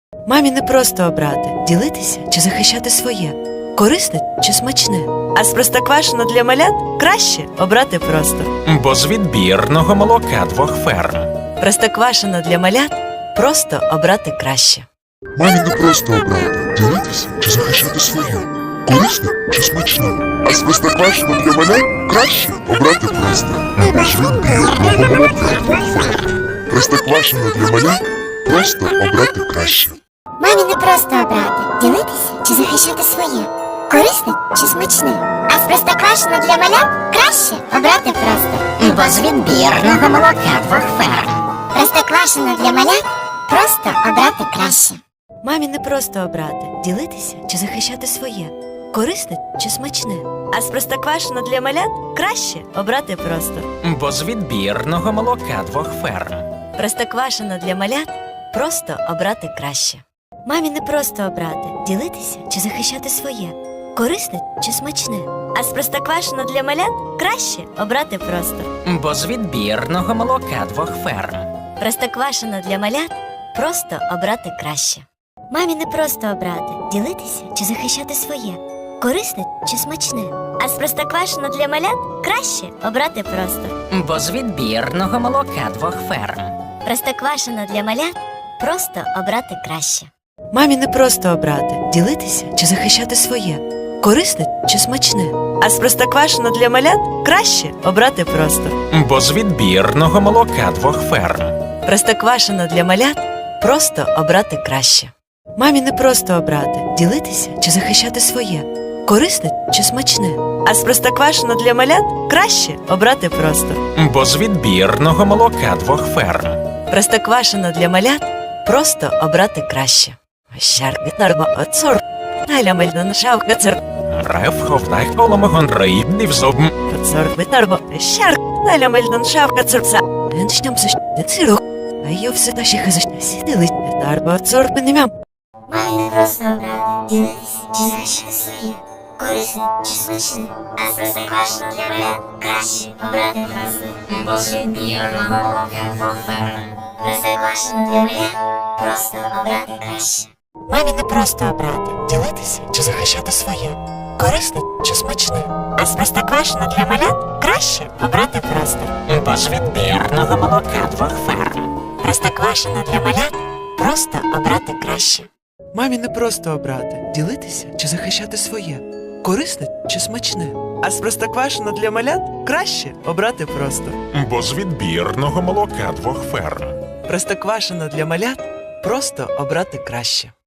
Мамі не просто обрати, ділитися чи захищати своє, корисне чи смачне. А з простоквашино для малят краще обрати просто. Бо з відбірного молока 2 ферм. Простоквашино для малят просто обрати краще. Мамі не просто обрати, ділитися чи захищати своє, корисне чи смачне. А з простоквашино для малят краще обрати просто. Бо з відбірного молока 2 ферм. Простоквашино для малят просто обрати краще. Мамі не просто обрати, ділитися чи захищати своє, корисне чи смачне. А з простоквашино для малят краще обрати просто. Бо з відбірного молока 2 ферм. Простоквашино для малят просто обрати краще. Мамі не просто обрати, ділитися чи захищати своє, корисне чи смачне. А з простоквашино для малят краще обрати просто. Бо з відбірного молока 2 ферм. Простоквашино для малят просто обрати краще. Мамі не просто обрати, ділитися чи захищати своє, корисне чи смачне. А з простоквашино для малят краще обрати просто. Бо з відбірного молока 2 ферм. Простоквашино для малят просто обрати краще. Мамі не просто обрати, ділитися чи захищати своє, корисне чи смачне. А з простоквашино для малят краще обрати просто. Бо з відбірного молока 2 ферм. Простоквашино для малят просто обрати краще. Мамі не просто обрати, ділитися чи захищати своє, корисне чи смачне. А з простоквашино для малят краще обрати просто. Бо з відбірного молока 2 ферм. Простоквашино для малят просто обрати краще. Мамі не просто обрати, ділитися чи захищати своє, корисне чи смачне. А з простоквашино для малят краще обрати просто. Бо з відбірного молока 2 ферм. Простоквашино для малят просто обрати краще. Щарки нарва оцор, найлямельно шавка цер, Рев ховдай холомогон рибний взобм. оцор витарбо, щарк, найлямельно шавка церца. Еншням сущне цирок, а йо все та ще хазашня сідили, тарбо оцор пенемям. Мамі не просто обрати, ділитися чи захищати своє, корисне чи смачне. А з простоквашино для малят краще обрати просто. Бо з відбірного молока 2 ферм. Простоквашино для малят просто обрати краще. Мамі не просто обрати, ділитися чи захищати своє, корисне чи смачне. А з простоквашино для малят краще обрати просто. Бо з відбірного молока 2 ферм. Простоквашино для малят просто обрати краще. Мамі не просто обрати, ділитися чи захищати своє, корисне чи смачне. А з простоквашино для малят краще обрати просто. Бо з відбірного молока 2 ферм. Простоквашино для малят просто обрати краще.